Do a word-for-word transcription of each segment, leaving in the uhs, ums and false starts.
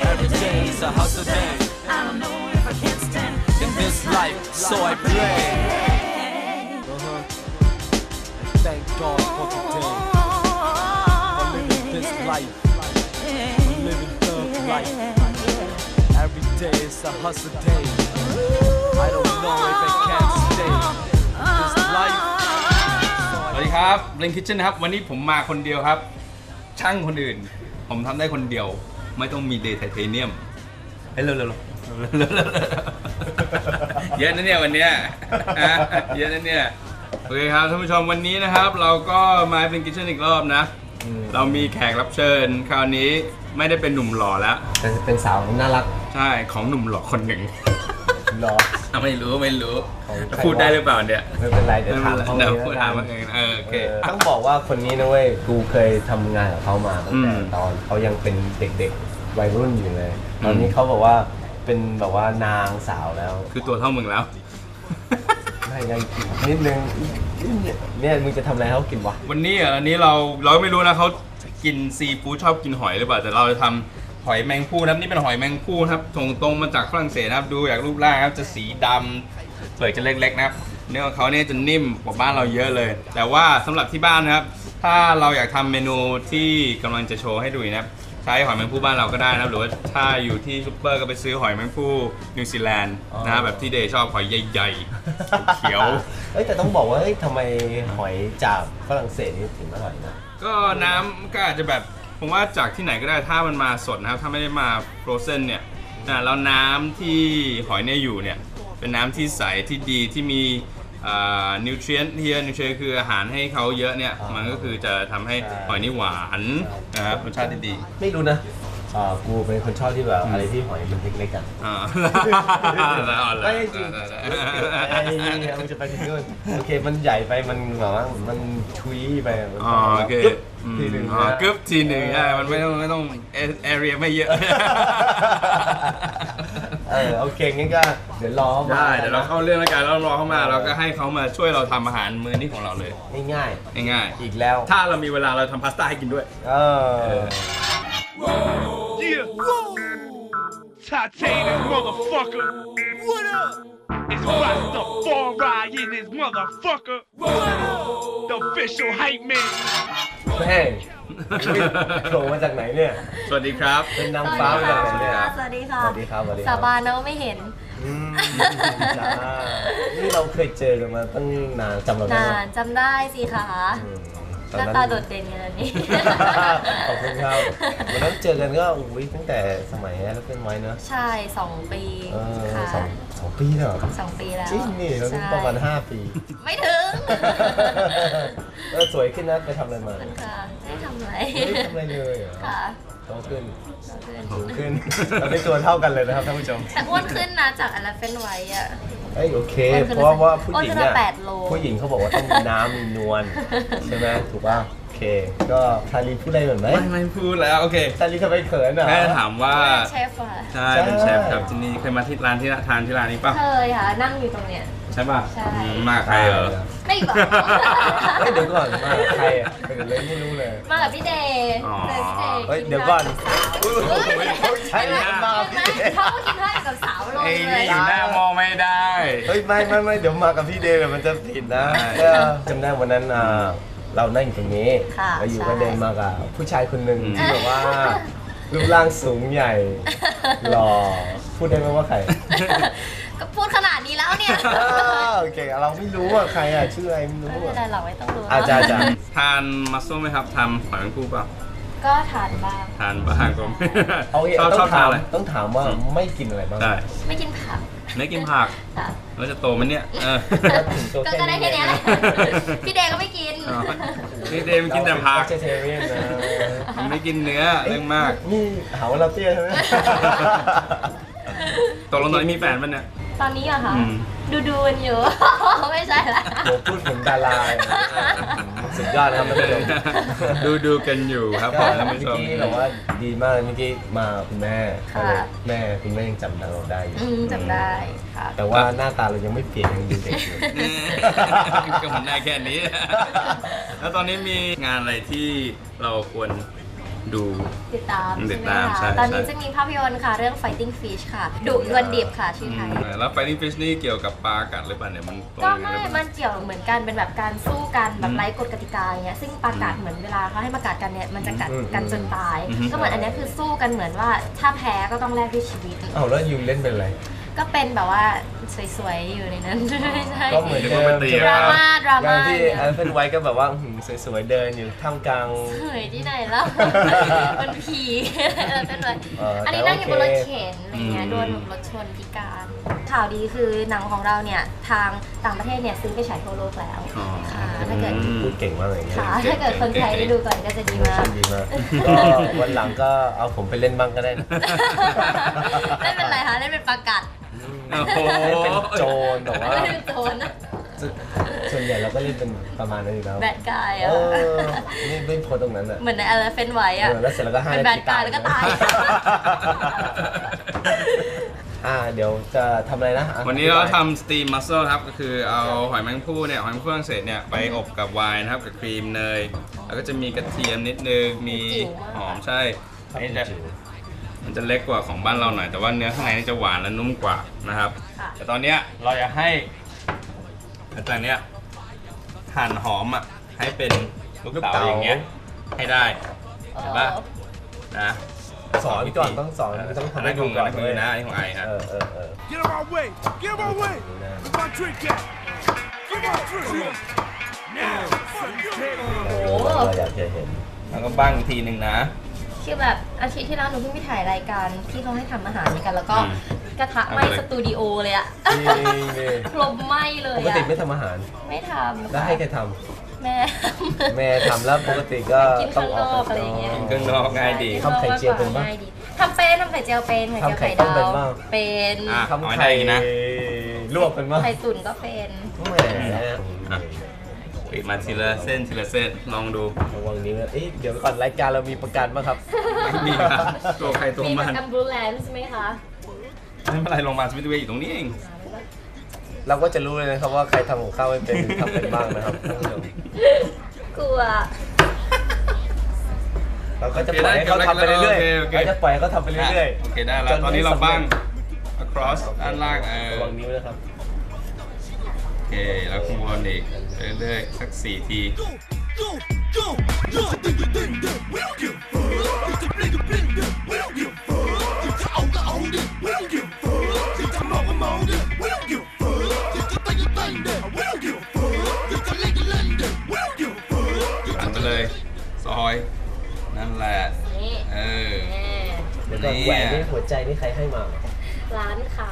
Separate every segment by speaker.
Speaker 1: Every day is a hustle day. I don't know if I can stand in this life, so I pray. Uh-huh. Thank God for today. For living this life. For living thug life. Every day is a hustle day. I don't know if I can stay in this life.
Speaker 2: สวัสดีครับ Blink Kitchen นะครับวันนี้ผมมาคนเดียวครับช่างคนอื่นผมทำได้คนเดียวไม่ต้องมีเดย์ไทเทเนียมเฮ้ยเร็วๆเยอะนะเนี่ยวันเนี้ยเยอะนะเนี่ยโอเคครับท่านผู้ชมวันนี้นะครับเราก็มา Blink Kitchen อีกรอบนะเรามีแขกรับเชิญคราวนี้ไม่ได้เป็นหนุ่มหล่อแล้ว
Speaker 3: แต่เป็นสาวน่ารัก
Speaker 2: ใช่ของหนุ่มหล่อคนหนึ่ง
Speaker 3: หรอ
Speaker 2: ไม่รู้ไม่รู้พูดได้หรือเปล่าเนี่ย
Speaker 3: ไม่เป็นไรเดี๋ยวถามเขาเอง
Speaker 2: พูดถามเขาเองเออโอเค
Speaker 3: ต้องบอกว่าคนนี้นะเว้ยกูเคยทำงานกับเขามาตั้งแต่ตอนเขายังเป็นเด็กๆวัยรุ่นอยู่เลยตอนนี้เขาบอกว่าเป็นแบบว่านางสาวแล้ว
Speaker 2: คือตัวเท่ามึงแล้ว
Speaker 3: ไม่ยังนิดนึงเนี่ยมึงจะทำอะไรให้เขากินวะ
Speaker 2: วันนี้อ่ะอันนี้เราเราไม่รู้นะเขากินซีฟู้ดชอบกินหอยหรือเปล่าแต่เราจะทำหอยแมงภู่นะครับนี่เป็นหอยแมงภู่ครับส่งตรงมาจากฝรั่งเศสนะครับดูจากรูปร่างครับจะสีดำเปลือกจะเล็กๆนะครับเนื้อของเขาเนี่ยจะนิ่มกว่าบ้านเราเยอะเลยแต่ว่าสำหรับที่บ้านนะครับถ้าเราอยากทำเมนูที่กำลังจะโชว์ให้ดูนะครับใช้หอยแมงภู่บ้านเราก็ได้นะครับหรือว่าถ้าอยู่ที่ซุปเปอร์ก็ไปซื้อหอยแมงภู่นิวซีแลนด์นะแบบที่เดย์ชอบหอยใหญ่ๆเขียว
Speaker 3: เฮ้ยแต่ต้องบอกว่าเฮ้ยทำไมหอยจากฝรั่งเศสนี่ถึงอร่อยนะ
Speaker 2: ก็น้ำก็อาจจะแบบผมว่าจากที่ไหนก็ได้ถ้ามันมาสดนะครับถ้าไม่ได้มาโฟรเซนเนี่ยนะแล้วน้ำที่หอยเนี่ยอยู่เนี่ยเป็นน้ำที่ใสที่ดีที่มีนิวทรีนที่เยอะนิวทรีนคืออาหารให้เขาเยอะเนี่ยมันก็คือจะทำให้หอยนี่หวานนะครับรสชาติดี
Speaker 3: ไม่รู้นะอ่ากูเป็นคนชอบที่แบบอะไรที่หอยมันเล็กๆอ่ะไม่จริงไอ้เนี่ยมันจะไปถึงนู่นโอเคมันใหญ่ไปมันแบบว่ามันชุยไป
Speaker 2: อ๋อโอเคทีหนึ่งอ๋อกึ๊บทีหนึ่งใช่มันไม่ต้องไม่ต้องแอเรียไม่เยอะ
Speaker 3: เออโอเคงั้นก็เดี๋ยวรอเขามา
Speaker 2: ได้เดี๋ยวเราเข้าเรื่องแล้วกันแล้วรอเขามาเราก็ให้เขามาช่วยเราทำอาหารมื้อนี้ของเราเลย
Speaker 3: ง่าย
Speaker 2: ๆง่าย
Speaker 3: ๆอีกแล้ว
Speaker 2: ถ้าเรามีเวลาเราทำพาสต้าให้กินด้วย
Speaker 3: เออ
Speaker 4: Titanium motherfucker. What up? It's Rasta Foray in this motherfucker. The official hype man.
Speaker 3: เฮ้ยโผล่มาจากไหนเนี่ย
Speaker 2: สวัสดีครับ
Speaker 3: เป็นนางฟ้ามาจากไหนเนี่ย
Speaker 5: สวัสดีค่ะ
Speaker 3: สวัสดีครับสวัสดีครับ
Speaker 5: สาบานนะว่าไม่เห็น
Speaker 3: นี่เราเคยเจอกันมาตั้งนานจำเราได้ไหม
Speaker 5: นานจำได้สิคะหน้าตาโดดเด่นกันนี่
Speaker 3: ขอบคุณครับวันนั้นเจอกันก็อุ้ยตั้งแต่สมัยแรกเป็นไว้เนอะ
Speaker 5: ใช่สองปี
Speaker 3: ค่ะสองสองปีแล้ว
Speaker 5: สองปีแล้ว
Speaker 3: จริงนี่เราประมาณห้าปี
Speaker 5: ไม่ถึง
Speaker 3: เออสวยขึ้นนะไปทำอะไรมา
Speaker 5: ค่ะไม่ทำอะไร
Speaker 3: ไม่ทำอะไรเลย
Speaker 5: ค่ะ
Speaker 3: โตขึ้นสูงขึ้นเราได้ตัวเท่ากันเลยนะครับท่านผู้ชม
Speaker 5: แต่อ้วนขึ้นนะจากอะไรเป็นไว้อะ
Speaker 3: เอ้ยโอเคเพราะว่าผู้หญิงเนี่ยผู้หญิงเขาบอกว่าต้องมีน้ำมีนวลใช่ไหมถูกป่ะโอเคก็ทารีพูดอะไรเหมือนไหม
Speaker 2: ไม่ไม่พูดแล้วโอเค
Speaker 3: ทารีทำไมเขินอ่ะ
Speaker 2: แค่ถามว่า
Speaker 5: เชฟอ่ะ
Speaker 2: ใช่เป็นเชฟครับที่นี่เคยมาที่ร้านที่ทานที่ร้านนี้ป่ะ
Speaker 5: เคยค่ะนั่งอยู่ตรงเนี้ย
Speaker 2: ใช่ป่ะ
Speaker 5: ใช่
Speaker 2: มาใครเหรอ
Speaker 5: ไม่บอก
Speaker 3: เฮ้ยเดี๋ยวก่อนมาใครอ่ะเเลยไม่รู้เลย
Speaker 5: มากับพี่เดย์
Speaker 3: เฮ้ยเดี๋ยวก่อน
Speaker 5: ใช่ไหมเขากินข้าวกับสาวลงเลย
Speaker 2: อยู่หน้ามองไม่ได้
Speaker 3: เฮ้ยไม่ไม่ไม่เดี๋ยวมากับพี่เดย์มันจะผิดนะจำได้วันนั้นเรานั่งอยู่ตรงนี้เราอยู่ก็เดินมากับผู้ชายคนหนึ่งที่แบบว่ารูปร่างสูงใหญ่หล่อพูดได้ไหมว่าใคร
Speaker 5: ก็พูดขนาดนี้แล้วเนี่ย
Speaker 3: โอเคเราไม่รู้ว่าใครอ่ะชื่ออะไรไม่รู้
Speaker 5: ไม่เป็นไรเราไม่ต้องรู้
Speaker 3: อาจารย์จะ
Speaker 2: ทานมัสโซ่ไหมครับทำหอยแมงภู่เปล่า
Speaker 5: ก็ทานบ้าง
Speaker 2: ทานบ้างก็
Speaker 3: ชอบชอบทานอะไรต้องถามว่าไม่กินอะไรบ้าง
Speaker 5: ไม่กินผัก
Speaker 2: ไม่กินผักแล้วจะโตมันเนี่ย
Speaker 5: ก็ได้แค่นี้แหละพี่เดย์ก็ไม่กิน
Speaker 2: พี่เดย์มันกินแต่ผัก
Speaker 3: เจเทเรียนนะ
Speaker 2: ไม่กินเนื้อเรื่องมาก
Speaker 3: นี่หาว่าเราเตี้ยใช่ไหม
Speaker 2: ตกลงตอนนี้มีแฟนป่ะเนี่ย
Speaker 5: ตอนนี้อะค่ะดูดูกันอยู่ไม่ใช่ละ
Speaker 3: โหพูดถึงดาราสุดยอดนะครับท่านผู้ชม
Speaker 2: ดูดูกันอยู่ครับผมท่านผู้ชม
Speaker 3: เมื่อกี้แต่ว่าดีมากเมื่อกี้มาคุณแม่แม่คุณแม่ยังจำเราได้อยู่
Speaker 5: จำได้ค่ะ
Speaker 3: แต่ว่าหน้าตาเรายังไม่เปลี่ยนยังดูเด็กอยู่
Speaker 2: ก็มันได้แค่นี้แล้วตอนนี้มีงานอะไรที่เราควรดู
Speaker 5: ติดตาม
Speaker 2: ติ
Speaker 5: ใช่
Speaker 2: ด
Speaker 5: ไหม
Speaker 2: ตามใช่
Speaker 5: คะตอนนี้
Speaker 2: ใช่
Speaker 5: จะมีภาพยนตร์ค่ะ เรื่อง Fighting Fish ค่ะดุดวลดิบค่ะชื่อไทย
Speaker 2: อืมแล้ว Fighting Fish นี่เกี่ยวกับปลากัดหรือเปล่าเนี่ยมันตรง
Speaker 5: ก็
Speaker 2: กันห
Speaker 5: ไม่
Speaker 2: รือเปล่า
Speaker 5: มันเกี่ยวเหมือนกันเป็นแบบการสู้กันแบ
Speaker 2: อื
Speaker 5: บ
Speaker 2: ม
Speaker 5: ไร้กฎกติกาอย่างเงี้ยซึ่งปลากัดเหมือนเวลาเขาให้มากัดกันเนี่ยมันจะกัด
Speaker 3: อืม
Speaker 5: กันจนตาย
Speaker 2: อืม
Speaker 5: ก็เหมือนอันเนี้ยคือสู้กันเหมือนว่าถ้าแพ้ก็ต้องแลกด้วยชีวิต
Speaker 3: เอาแล้วยูเล่นเป็นอะไร
Speaker 5: ก็เป็นแบบว่าสวยๆอยู่ในนั้น ไม่ใช่
Speaker 3: ก็เหมือน
Speaker 2: เดี๋ยว
Speaker 3: เดิ
Speaker 2: มัน
Speaker 3: ม
Speaker 2: ไปตี
Speaker 5: ดราม่าดรา
Speaker 3: อย่า
Speaker 5: ม่าง
Speaker 3: ที่
Speaker 5: เนี่ย
Speaker 3: อันเป็นไว้ก็แบบว่าหืมสวยๆเดินอยู่ท่ามกลาง
Speaker 5: สวยที่ไหนแล้ว มันผีเออเป็นเลย
Speaker 3: เอออั
Speaker 5: อันนี้
Speaker 3: แต่
Speaker 5: นั่งอยู่บนรถ
Speaker 3: โอเค
Speaker 5: เข็นอะไรเงี้ย
Speaker 2: อืม
Speaker 5: โดนรถชนพิการข่าวดีคือหนังของเราเนี่ยทางต่างประเทศเนี่ยซื้อไปฉายทั่วโลกแล้ว
Speaker 2: อ๋อ
Speaker 5: ค่ะถ้าเกิด
Speaker 2: อืม
Speaker 3: พูดเก่งมากเลยเนี่ย
Speaker 5: ค่ะถ้าเกิดคนไทยได้ดูก่อนก็จะดีมาก
Speaker 3: ดีมากก็วันหลังก็เอาผมไปเล่นบ้างก็ได้นะ
Speaker 5: เล่นเป็นอะไรคะเล่นเป็นประกัด
Speaker 2: โอ้โห
Speaker 3: เล่นเป็นโจรแต่ว่า
Speaker 5: เล่นเป็นโจรนะ
Speaker 3: ส่วนใหญ่เราก็เล่นเป็นประมาณนั้นอยู่แล้ว
Speaker 5: แบดกาย
Speaker 3: เอ
Speaker 5: อ่ะ
Speaker 3: อไม่ไม่โพสตรงนั้นอ่ะ
Speaker 5: เหมือนใน Elephant White อ่ะ
Speaker 3: เออแล้วเสร็จแล้วก็ให้
Speaker 5: เป็นแบดกายแล้วก็ตาย
Speaker 3: อ่าเดี๋ยวจะทำอะไรนะอ่ะ
Speaker 2: วันนี้เราทำสตีมมัสเซลครับ ก็คือเอาหอยแมงภู่เนี่ยหอยแมงภู่ฝรั่งเศสเนี่ยไปอบกับไวน์นะครับกับครีมเนย แล้วก็จะมีกระเทียมนิดนึง มีหอมใช่
Speaker 3: ครับ
Speaker 2: อันนี้จะมันจะเล็กกว่าของบ้านเราหน่อย แต่ว่าเนื้อข้างในนี่จะหวานและนุ่มกว่านะครับ
Speaker 5: ค่ะ
Speaker 2: แต่ตอนเนี้ยเราจะให้อาจารย์เนี้ยหั่นหอมอ่ะให้เป็นลูกเต๋าอย่างเงี้ยให้ได้ เห็นปะนะ
Speaker 3: สอนก่อนต้องสอนต้องทำให้ดูก่อน
Speaker 2: มือนะอันนี้ของไอฮะ
Speaker 3: เออเออเออ
Speaker 4: Get out my way! Get out my way! Where's my drink at? Get my drink! Now! Fucking take it!
Speaker 5: โอ้โห
Speaker 3: เราอยากจะเห็น
Speaker 2: แล้วก็บ้างอีกทีหนึ่งนะ
Speaker 5: คือแบบอาทิตย์ที่แล้วหนูเพิ่งไปถ่ายรายการที่เขาให้ทำอาหารกัน แล้วก็
Speaker 2: อืม
Speaker 5: กระทะไหม้
Speaker 2: เอาไปเลย
Speaker 5: สตูดิโอเลยอะ
Speaker 3: จริงดิ
Speaker 5: ลมไหม้เล
Speaker 3: ป
Speaker 5: ย
Speaker 3: ก
Speaker 5: อะ
Speaker 3: ติไม่ทำอาหาร
Speaker 5: ไม่ทำ
Speaker 3: แล้วให้ใครท
Speaker 5: แม่
Speaker 3: ำแม่ทำแล้วปกติก็
Speaker 5: กิน
Speaker 3: ต้อ
Speaker 5: ข้าง ง
Speaker 3: อน อก
Speaker 5: อกอะไรอย่างเงี้ย
Speaker 2: กินข้างนอกง่ายดี
Speaker 3: ทำไข่เจียวเป็นปะ
Speaker 5: ง่ายดีทำเป็นทำไข่เจียวเป็นไข่เจียว
Speaker 3: ทำไข่
Speaker 5: ไข่
Speaker 3: ต้ม
Speaker 5: ดา
Speaker 3: เป็น
Speaker 5: ว
Speaker 3: บ้าง
Speaker 5: เป็น
Speaker 2: อ่ะ
Speaker 3: ทำ
Speaker 2: เอาให้
Speaker 3: ไข่
Speaker 2: ได้อีกนะ
Speaker 3: ลวกเป็นมั้ง
Speaker 5: ไข่ตุ๋นก็เป็น
Speaker 3: แหม
Speaker 2: อ่ะ ปิดมาทีละเส้นทีละเส้นลองดู
Speaker 3: ระวังนิ้วนะเอ๊ะเดี๋ยวก่อนรายการเรามีประกันไหมครับ
Speaker 2: มีครับตัวใครตัว
Speaker 5: มี
Speaker 2: มั
Speaker 5: แบบ
Speaker 2: น
Speaker 5: แอมบูเลนซ์ไหมคะ
Speaker 2: ไม่เป็นไรโรงพยาบาลสมิธเวย์อยู่ตรงนี้เอง
Speaker 3: เราก็จะรู้เลยนะครับว่าใครทำของข้าวไม่เป็นหรือทำเป็นบ้างนะครับท่านผู้ชม
Speaker 5: กลัว
Speaker 3: เราก็จะปล่อยให้เขาทำไปเรื่อยๆเราจะปล่อยให้เขาทำไปเรื่อย
Speaker 2: โอเคได้แล้วตอนนี้เราบ้าง across ด้านล่างเออ
Speaker 3: ระวังนิ้วนะครับ
Speaker 2: โอเคแล้วข้างบนอีกเรื่อยๆสักสี่ที
Speaker 4: Go! Go! Go! Ding ding ding ding! We don't give a fuck! It's a bling bling ding! We don't give a fuck! It's a own the own ding! We don't give a fuck! It's a mong mong ding! We don't give a fuck! It's a bang bang ding! We don't give a fuck! It's a ling ling ding! We don't give a fuck!
Speaker 2: หันไปเลยซอยนั่นแหละ
Speaker 5: นี่
Speaker 2: เออ
Speaker 5: แน่
Speaker 3: เดี๋ยวก่อนแหวนนี่หัวใจนี่ใครให้มา
Speaker 5: ร้านค้า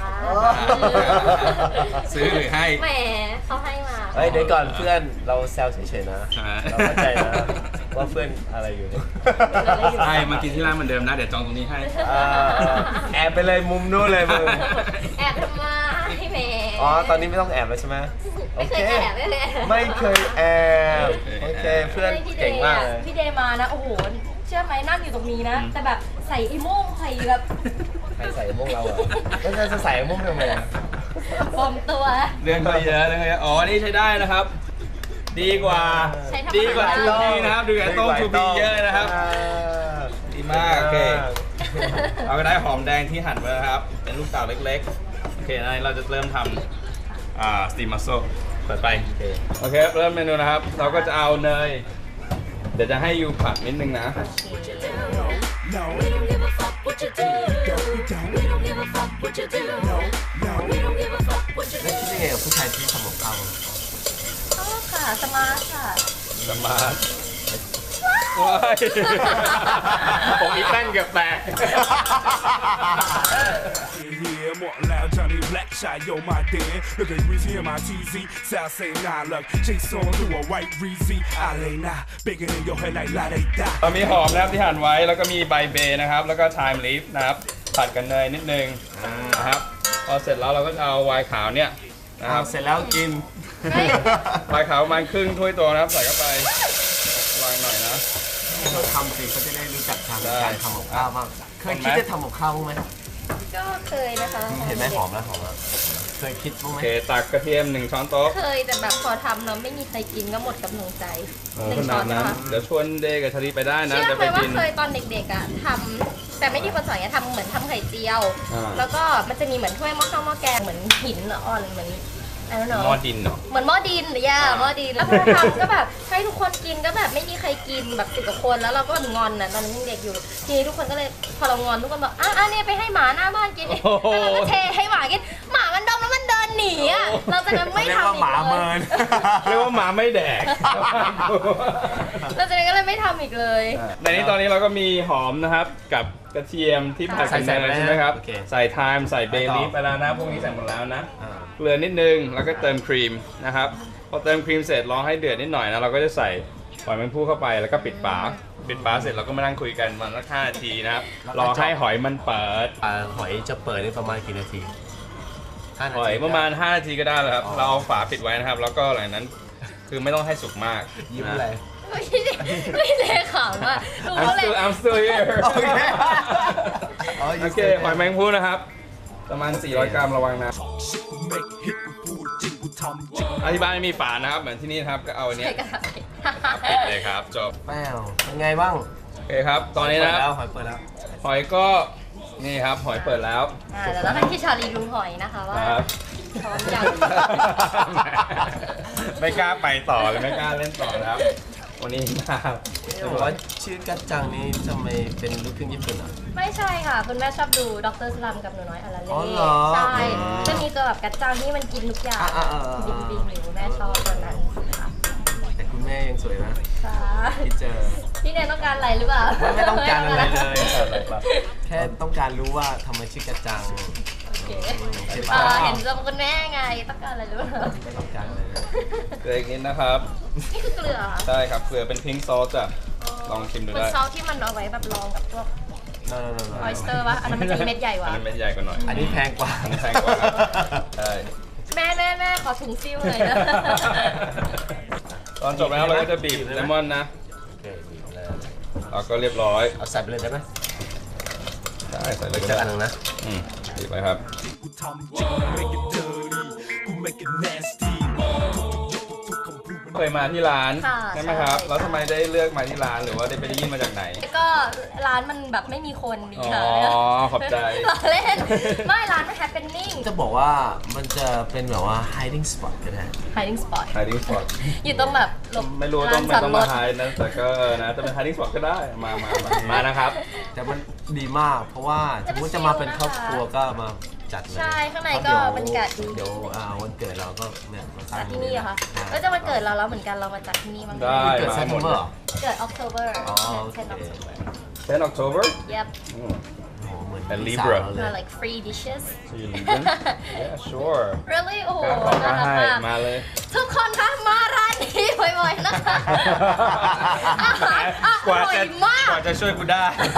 Speaker 2: ซื้อหรือให้
Speaker 5: แหมเขาให้มา
Speaker 3: เฮ้ยเดี๋ยวก่อนเพื่อนเราแซวเฉยๆนะ
Speaker 2: อ่า
Speaker 3: เราเข้าใจนะว่าเพื่อนอะไรอยู่เนี่ย
Speaker 2: ใช่มากินที่ร้านเหมือนเดิมนะเดี๋ยวจองตรงนี้ให้
Speaker 3: อ่าแอบไปเลยมุมนู้นเลยมึง
Speaker 5: แอบทำไมแหม
Speaker 3: อ๋อตอนนี้ไม่ต้องแอบแล้วใช่ไหมโอ
Speaker 5: ไม่เค
Speaker 3: เค
Speaker 5: ยแอบไม่เลย
Speaker 3: ไม่เคยแอบโอเคเพื่อนเก่งมากเลย
Speaker 5: พี่เดย์มานะโอ้โหเชื่อไหมนั่งอยู่ตรงนี้นะ แต่แบบใส่ไอ้โม่งใส่แบบ
Speaker 3: ใครใส่มุ้งเราอ่ะแล้วจะใส่มุ้งทำไมอ่ะ
Speaker 5: ปลอมตัว
Speaker 2: เรื่องก็เยอะเรื่องก็เยอะอ๋อ นี่ใช้ได้นะครับ ดีกว่า
Speaker 5: ใช้ทำอาหาร
Speaker 2: ดีกว่าทูบีนะครับ ดูอย่างต้มทูบีเยอะนะครับ
Speaker 3: อ่า
Speaker 2: ดีมาก โอเค เราก็ได้หอมแดงที่หั่นไว้แล้วครับ เป็นลูกเต๋าเล็กๆ โอเคอันนี้เราจะเริ่มทำอ่าสตีมมัสโซเปิดไป
Speaker 3: โอเค
Speaker 2: โอเค เริ่มเมนูนะครับ เราก็จะเอาเนย เดี๋ยวจะให้ยูผัดนิดนึงนะ
Speaker 4: No!
Speaker 5: We don't give a fuck what you do. We don't give a fuck what you do.
Speaker 4: No!
Speaker 5: We don't give a fuck what you
Speaker 3: แล้ว
Speaker 5: do.
Speaker 3: คิดยังไงกับผู้ชายที่ทำกับข้าว
Speaker 5: ชอบค่ะสมาร์ทค่ะ
Speaker 2: สมาร์ทว้ายผมอีแป้นเกือบแตก
Speaker 4: Yeah, more loud Johnny Black shot, yo, my dear. Look at Greasy and my T Z. South say nah, look. Chase on through a white Reezy. I lay nah, bigger than your head like la they die.
Speaker 2: เรามีหอมนะครับที่หั่นไว้แล้วก็มีใบเบย์นะครับ แล้วก็ไทม์ลีฟนะครับผัดกันเนยนิดนึงนะครับพอเสร็จแล้วเราก็จะเอาไวน์ขาวเนี่ยนะครับ
Speaker 3: เสร็จแล้วกิน
Speaker 2: ไวน์ขาวประมาณครึ่งถ้วยโตนะครับใส่เข้าไปวางหน่อยนะ
Speaker 3: เขาทำสิเขาจะได้รู้จักทาง
Speaker 2: ได้
Speaker 3: การทำกับข้าวบ้างเคยคิดจะทำกับข้าวบ้างไหม
Speaker 5: ก็เคยนะคะ
Speaker 3: เห็นไหมหอมแล้วหอมแล้วเคยคิดบ้าง
Speaker 2: โอ
Speaker 3: ไหม
Speaker 2: เคตักกระเทียมหนึ่งช้อนโต๊ะ
Speaker 5: เคยแต่แบบพอทำแล้วไม่มีใครกินก็หมดกำลังใจ
Speaker 2: โอ้
Speaker 5: หนึ่
Speaker 2: ข
Speaker 5: ง
Speaker 2: นา
Speaker 5: ช้อ
Speaker 2: ด
Speaker 5: น
Speaker 2: นั้น
Speaker 5: นะคะ
Speaker 2: เดี๋ยวชวนเดย์กับชาลีไปได้นะ
Speaker 5: เชื่อ
Speaker 2: จะ
Speaker 5: ไห
Speaker 2: ไป
Speaker 5: มว่า
Speaker 2: กิน
Speaker 5: เคยตอนเด็กๆอ่ะทำแต่ไม่ได้คนสอนเนี่ยทำเหมือนทำไข่เจียว
Speaker 2: อ่า
Speaker 5: แล้วก็มันจะมีเหมือนถ้วยหม้อข้าวหม้อแกงเหมือนหินอ่อนเหมือนI don't know
Speaker 2: หม้อดินเนาะ
Speaker 5: เหมือนหม้อดินย่าหม้อดินแล้วพอทำก็แบบให้ทุกคนกินก็แบบไม่มีใครกินแบบสิบกว่าคนแล้วเราก็แบบงอนนะตอนนั้นยังเด็กอยู่ทีนี้ทุกคนก็เลยพอเรางอนทุกคนบอกอ่ะอ่ะเนี่ยไปให้หมาหน้าบ้านกินแล้วเราก็เทให้หมากินหมามันดมแล้วมันเดินหนีอ่ะเราจะนั้นไม่ทำอีกเลย
Speaker 2: เรียกว่าหมาไม่แดก
Speaker 5: เราจะนั้นก็เลยไม่ทำอีกเลย
Speaker 2: ในนี้ตอนนี้เราก็มีหอมนะครับกับกระเทียมที่ผัดกันเนยใช่ไหมครับใส่ไทม์ใส่เบลีฟไปแล้วนะพวกนี้ใส่หมดแล้วนะ
Speaker 3: อ่า
Speaker 2: เกลือนิดนึงแล้วก็เติมครีมนะครับพอเติมครีมเสร็จรอให้เดือดนิดหน่อยนะเราก็จะใส่หอยแมงภู่เข้าไปแล้วก็ปิดฝาปิดฝาเสร็จเราก็มานั่งคุยกันวันละห้านาทีนะครับรอให้หอยมันเปิด
Speaker 3: อ่าหอยจะเปิดได้ประมาณกี่นาทีห้านาที
Speaker 2: หอยประมาณห้านาทีก็ได้แล้วครับเราเอาฝาปิดไว้นะครับแล้วก็หลังนั้นคือไม่ต้องให้สุกมาก
Speaker 3: ยิ้มอะไร
Speaker 5: ไม่ได้ไม่ได้ขำอ่ะดู
Speaker 2: I'm
Speaker 5: เขาเลย
Speaker 2: still I'm still here
Speaker 3: โอเค
Speaker 2: โอเคหอยแมงภู่นะครับประมาณสี่ร้อยกรัมระวังนะ
Speaker 4: make hit กูพูดจริงกูทำจริง
Speaker 2: อธิบายไม่มีฝานะครับเหมือนที่นี่นะครับก็เอาอันเนี้ย
Speaker 5: ใส่กระดาษ
Speaker 2: ปิดเลยครับจบ
Speaker 3: แป้วเป็นไงบ้าง
Speaker 2: โอเคครับ ตอนนี้นะครับ
Speaker 3: หอยเปิดแล้ว
Speaker 2: หอยก็นี่ครับหอยเปิดแล้ว
Speaker 5: อ่าเดี๋ยวเราให้พี่ชาลีดูหอยนะคะว่า
Speaker 2: ครับ
Speaker 5: พร้อมยัง
Speaker 2: ไม่กล้าไปต่อเลยไม่กล้าเล่นต่อนะครับ วันนี้มา
Speaker 3: จะบอกว่าชื่อกัจจังนี้ทำไมเป็นลูกครึ่งญี่ปุ่นอ่ะ
Speaker 5: ไม่ใช่ค่ะ คุณแม่ชอบดูด็อกเตอร์สลัมกับหนูน้อยอาราเล่
Speaker 3: อ๋อเหรอ
Speaker 5: ใช่
Speaker 3: อืม
Speaker 5: จะมีตัวแบบกัดจังที่มันกินทุกอย่าง
Speaker 3: อ่าอ่าอ่า
Speaker 5: บินบินหนูแม่ชอบตัวนั้นค่ะ
Speaker 3: แต่คุณแม่ยังสวยนะ
Speaker 5: ค่ะ
Speaker 3: ที่เจอ
Speaker 5: พี่เนยต้องการอะไรหรือเปล่า
Speaker 3: ไม่ไม่ต้องการอะไรเลย
Speaker 2: อะไรครับ
Speaker 3: แค่ต้องการรู้ว่าทำไมชื่อกัจจัง
Speaker 5: โอเค
Speaker 3: ใช่
Speaker 5: อ่า
Speaker 3: ปะ
Speaker 5: เห็นตัวคุณแม่ไงต้องการอะไรหรือเปล่า
Speaker 3: ไม่ต้องการเลยนะ
Speaker 2: เกลืออีกนิดนะครับ
Speaker 5: นี่คือเกลือเหรอ
Speaker 2: ใช่ครับเกลือเป็นพิงค์ซอสจ้ะลองชิมดู
Speaker 5: เหมือ
Speaker 2: ได้
Speaker 5: นซอสที่มันเอาไว้แบบรองกับพวก
Speaker 3: no no no no
Speaker 5: ออยสเตอร์ป่ะอันนั้นมันจะเม็ดใหญ่กว่า
Speaker 2: อันนั้นเม็ดใหญ่กว่าหน่อย
Speaker 3: อันนี้แพงกว่า
Speaker 2: อันนี้แพงกว่าครับใช่
Speaker 5: แม่แม่แม่ขอถุงซิ่วหน่อยนะ
Speaker 2: ตอนจบแล้วเราก็จะบีบเลมอนนะ
Speaker 3: โอเคบีบเลย
Speaker 2: เราก็เรียบร้อย
Speaker 3: เอาใส่ไปเลยได้ไหม
Speaker 2: ได้ใส่เลยก็
Speaker 3: เจอ
Speaker 2: ได้
Speaker 3: อันหนึงนะ
Speaker 2: อืมบีบไปครับ
Speaker 4: กูทำจริง make it dirty กู make it nasty ทุกๆคำพูดมัน
Speaker 2: เคยมาที่ร้าน
Speaker 5: ค่ะ
Speaker 2: ใช่ไหมครับ
Speaker 5: ใช่
Speaker 2: แล้วทำไมได้เลือกมาที่ร้านหรือว่าได้ไปได้ยินมาจากไหน
Speaker 5: ก็ร้านมันแบบไม่มีคนดี
Speaker 2: อ๋อ
Speaker 5: ค่ะ
Speaker 2: ขอบใจ
Speaker 5: ล้อเล่น ไม่ร้านมัน happening
Speaker 3: จะบอกว่ามันจะเป็นแบบว่า hiding spot ก็ได้
Speaker 5: hiding spot
Speaker 2: hiding spot
Speaker 5: อยู่ตรงแบบหลบ
Speaker 2: ไม่รู้ว่าต้องไม่
Speaker 5: ลาน
Speaker 2: ต้อง
Speaker 5: จ
Speaker 2: มา
Speaker 5: ดรถ
Speaker 2: ไฮนะแต่ก็เออนะจะเป็น hiding spot ก็ได้มามามามานะครับ
Speaker 3: แต่มันดีมาก เพราะว่าสมมติจะมาเป็นครอบครัวก็มาจัดเลย
Speaker 5: ใช่ข้างใน
Speaker 3: เพระ
Speaker 5: ก็
Speaker 3: เดี๋ยว
Speaker 5: บรรยากาศดี
Speaker 3: เดี๋ยวอ่าวันเกิดเราก็เนี่ยมาตั้
Speaker 5: จั
Speaker 3: ง
Speaker 5: ดที่นี่เหรอคะ
Speaker 3: ใช่
Speaker 5: ก็จะมาเกิดเราแล้วเหมือนกันเรามาจัดที่นี่บ้าง
Speaker 2: ได้
Speaker 3: เกิด
Speaker 2: มา
Speaker 3: เซน
Speaker 2: หมด
Speaker 3: เมอร์
Speaker 5: เกิด October
Speaker 3: อ๋อโอเค
Speaker 5: tenth October
Speaker 2: tenth October
Speaker 5: yep
Speaker 2: อืม
Speaker 3: โอ้โหเหมือน
Speaker 2: เป็น
Speaker 3: พี่
Speaker 2: Libra
Speaker 3: สาวเราเลย
Speaker 5: uh, like free dishes
Speaker 2: so you leaving yeah sure
Speaker 5: really โอ้โห
Speaker 2: ขอ
Speaker 5: น่ารัก
Speaker 2: ให้
Speaker 5: มาก
Speaker 2: มาเลย
Speaker 5: ทุกคนคะมาร้านนี้บ่อยๆนะคะอาหารอก
Speaker 2: ว่า
Speaker 5: ร่อย
Speaker 2: จะ
Speaker 5: มาก
Speaker 2: กว่าจะช่วยกูได้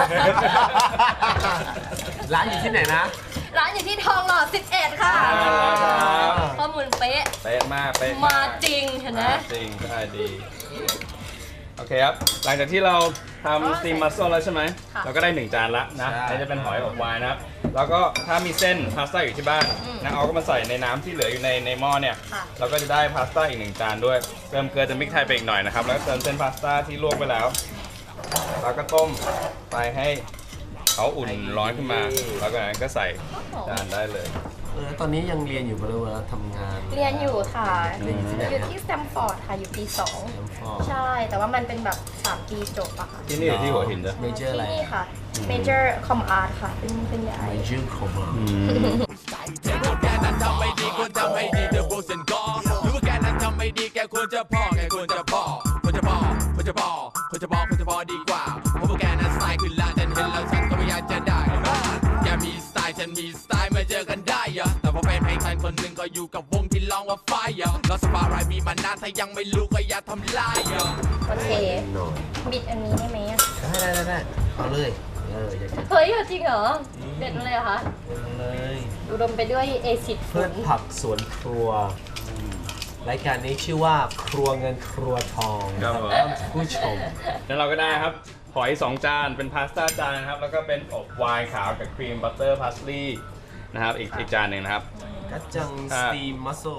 Speaker 3: ร้านอยู่ที่ไหนนะ
Speaker 5: ร้านอยู่ที่ทองหล่อสิบเอ็ดค่ะ
Speaker 2: ครับ
Speaker 5: ข้อมูลเป๊ะ
Speaker 2: เป๊ะมากเป๊ะ
Speaker 5: มาก จริงเห็นไหม
Speaker 2: มาจริงใช่ดี โอเคครับ หลังจากที่เราทำสตีมมัสโซแล้วใช่ไหม
Speaker 5: ค่ะ
Speaker 2: เราก็ได้หนึ่งจานละนะ
Speaker 3: ใช่
Speaker 2: นี่จะเป็นหอยอบวายนะครับ แล้วก็ถ้ามีเส้นพาสต้าอยู่ที่บ้าน
Speaker 5: อืม
Speaker 2: นะเอาก็มาใส่ในน้ำที่เหลืออยู่ในในหม้อเนี่ย
Speaker 5: ค่ะ
Speaker 2: เราก็จะได้พาสต้าอีกหนึ่งจานด้วย เติมเกลือจะมิกไทยไปอีกหน่อยนะครับ แล้วก็เติมเส้นพาสต้าที่ลวกไปแล้ว แล้วก็ต้มไปให้เขาอุ่นร้อนขึ้นมา แล้วก็นั้นก็ใส่จานได้เลย
Speaker 3: เออตอนนี้ยังเรียนอยู่บริเวณทำงาน
Speaker 5: เรียนอยู่ค่ะ
Speaker 3: เรียนอยู่ที่ไหน
Speaker 5: อยู่ที่สแตมฟอร์ดค่ะ อยู่ปีสอง
Speaker 3: น้ำฟอก
Speaker 5: ใช่ แต่ว่ามันเป็นแบบสามปีจบอะค่ะ
Speaker 2: ที่นี่หรือที่หัวหินจ้ะ
Speaker 3: เมเจอร์อะไร
Speaker 5: ที่นี่ค่ะ Major Com Art ค่ะ เป็นเป็นใหญ่
Speaker 3: เมเจอร์ของเรา
Speaker 4: แกนั้นทำไม่ดีควรทำให้ดีเธอโบสันก็หรือว่าแกนั้นทำไม่ดีแกควรจะพอแกควรจะพอควรจะพอควรจะพอควรจะพอควรจะพอดีกว่าเพราะว่าแกนั้นสไตล์ขึ้นละฉันเห็นแล้วฉันก็ไม่อยากจะได้แกมีสไตล์ฉันมีสไตล์มาเจอกันได้อะแต่พอแฟนเพลงฉันคนหนึ่งก็อยู่กับวงที่ร้องว่าไฟอะแล้วสปาร์ไรมีมานานถ้ายังไม่รู้ก็อย่าทำลายอะ
Speaker 5: โอเค
Speaker 3: หน่อย
Speaker 5: บิดอันนี้ได้ไหมอะ
Speaker 3: ได้ได้ได้เอาเลยเอออยากจะ
Speaker 5: เฮ้ยจริงเหรอ เด็ดมาเลยเหรอคะ
Speaker 3: เอาเลย
Speaker 5: อุดมไปด้วยเอซิด
Speaker 3: เพื่อนผักสวนครัวรายการนี้ชื่อว่าครัวเงินครัวทอง
Speaker 2: ครับผม
Speaker 3: ผู้ชม
Speaker 2: แล้วเราก็ได้ครับ หอยสองจานเป็นพาสต้าจานนะครับ แล้วก็เป็นอบไวน์ขาวกับครีมบัตเตอร์พาสลีย์นะครับอีกอีกจานหนึ่งนะครับ
Speaker 3: กัจจังสตีมมัสโซ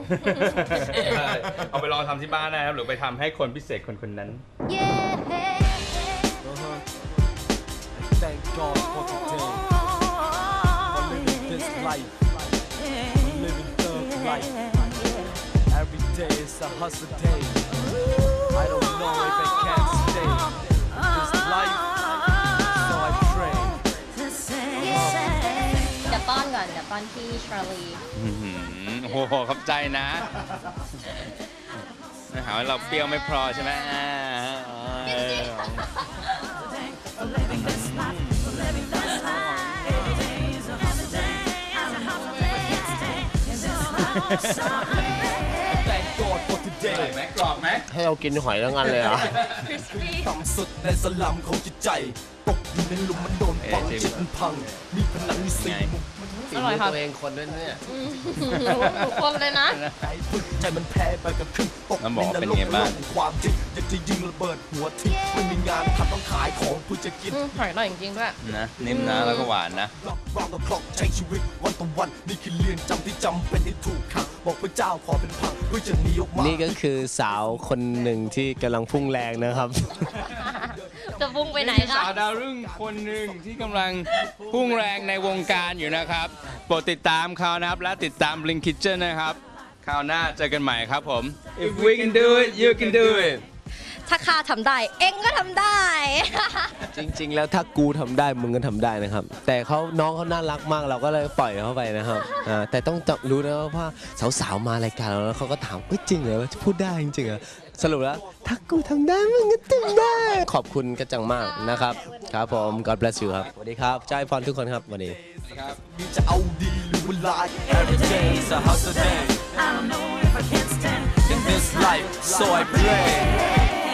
Speaker 2: เอาไปลองทำที่บ้านนะครับหรือไปทำให้คนพิเศษคนคนนั้น
Speaker 5: Yeah.
Speaker 1: Uh-huh. Thank God for today. For living this life. For living thug life. Every day is a hustle day. I don't know if I can stay in this life. So I pray.
Speaker 5: เดี๋ยวป้อนก่อน เดี๋ยวป้อนพี่ชาลี
Speaker 2: อื้อหือโอ้โหขอบใจนะหาว่าเราเปรี้ยวไม่พอใช่ไหมอ่าเออ
Speaker 1: Thank God for today.
Speaker 2: ไหมกรอบไหม
Speaker 3: ให้เรากินหอยทั้งอันเลยเหรอ
Speaker 4: ต่ำสุดในสลัมของจิตใจ ตกอยู่ในหลุมมันโดนฝังจิตมันพัง มีผนังมีสี่มุม
Speaker 3: ฝีมือตัวเองคนด้วยเนี่ย
Speaker 5: ทุกคนเลยนะ
Speaker 4: ใจฝึกใจมันแพ้ไปกับครึ่งตก
Speaker 2: น้ำหม
Speaker 4: ใน
Speaker 2: อน เป็น
Speaker 4: รก
Speaker 2: ไงบ้าง
Speaker 4: ของความจริงอยากจะยิงระเบิดหัวทิ้งไม่มีงานทำต้องขายของเพื่อจะกิน
Speaker 5: อืมหอยอร่อยจริงๆด้วย
Speaker 2: นะนิ่มนะแล้วก็หวานนะ
Speaker 4: รองกับคลอกใช้ชีวิตวันต่อวันนี่คือเรียนจำที่จำเป็นที่ถูกขังบอกพระเจ้าขอเป็นพังเพื่อจะหนีออกมา
Speaker 3: นี่ก็คือสาวคนหนึ่งที่กำลังพุ่งแรงนะครับ
Speaker 5: จะพุ่งไปไหน
Speaker 2: นี่
Speaker 5: คะ
Speaker 2: สาวดาวรุ่งคนหนึ่งที่กำลังพุ่งแรงในวงการอยู่นะครับโปรดติดตามเขานะครับและติดตาม Blink Kitchen นะครับคราวหน้าเจอกันใหม่ครับผม If we can do it you can do it
Speaker 5: ถ้าข้าทำได้ เอ็งก็ทำได้
Speaker 3: จริง ๆ แล้วถ้ากูทำได้มึงก็ทำได้นะครับ แต่เขาน้องเขาน่ารักมากเราก็เลยปล่อยเขาไปนะครับอ่าแต่ต้องรู้นะว่าสาวๆมารายการเราแล้วเขาก็ถามเอ้ยจริงเหรอว่าพูดได้จริงๆเหรอสรุปแล้วถ้ากูทำได้มึงก็ทำได้ ขอบคุณกระจังมากนะครับครับผม God bless you ครับสวัสดีครับใจพรทุกคนครับวันนี้
Speaker 4: มีจะเอาดีหรือเวลา
Speaker 1: Every day is a hustle day.
Speaker 6: I don't know if I can stand
Speaker 1: In this life, so I pray.